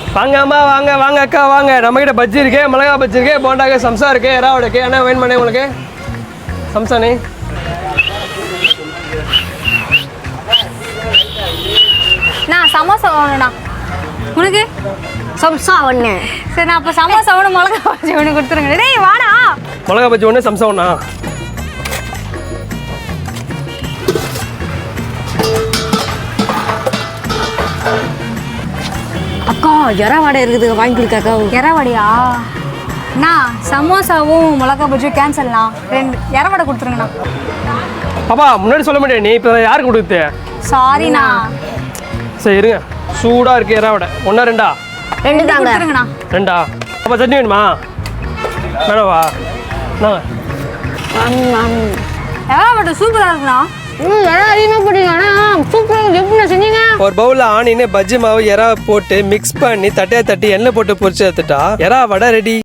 வாங்க அம்மா வாங்க வாங்க அக்கா வாங்க. நம்மக்கிட்ட பஜ்ஜி இருக்கு, மிளகா பஜ்ஜி இருக்கு, போண்டாக்கு சம்சா இருக்கு, எறாவோட இருக்கு. என்ன வேணும் பண்ணே உங்களுக்கு? சம்சானே நான் சமோசா வேணும்ண்ணா. உனக்கு சம்சா ஒன்று. சரி, நான் அப்போ சமோசா ஒன்று மிளகா பஜ்ஜி ஒன்று கொடுத்துருங்க. டேய் வாடா. மிளகா பஜ்ஜி ஒன்று, சம்சா ஒன்றா? அக்கா எற வடை இருக்குது, வாங்கி கொடுக்காக்கா. எறவடையா? அண்ணா சமோசாவும் மிளகா பஜ்ஜியும் கேன்சல்ண்ணா. 2 எறவடை கொடுத்துருங்கண்ணா. பாப்பா முன்னாடி சொல்ல மாட்டேன், நீ இப்போ யாருக்கு கொடுத்து? சாரிண்ணா. சரி இருங்க, சூடாக இருக்கு எறாவோட. ஒன்றா 2ஆ? 2 தாங்க. கொடுத்துருங்கண்ணா. 2ஆ? அப்போ சட்னி வேணுமா? வேணவா? எறவடை சூப்பராக இருக்குண்ணா. எல்லாம் அதிகமாக போட்டீங்க. ஆனால் சூப்பராக எப்படி செஞ்சீங்க? ஒரு பவுலில் ஆனின்னு பஜ்ஜி மாவு எறா போட்டு மிக்ஸ் பண்ணி தட்டையாக தட்டி எண்ணெய் போட்டு பொரிச்சு எடுத்துட்டா எறா வடை ரெடி.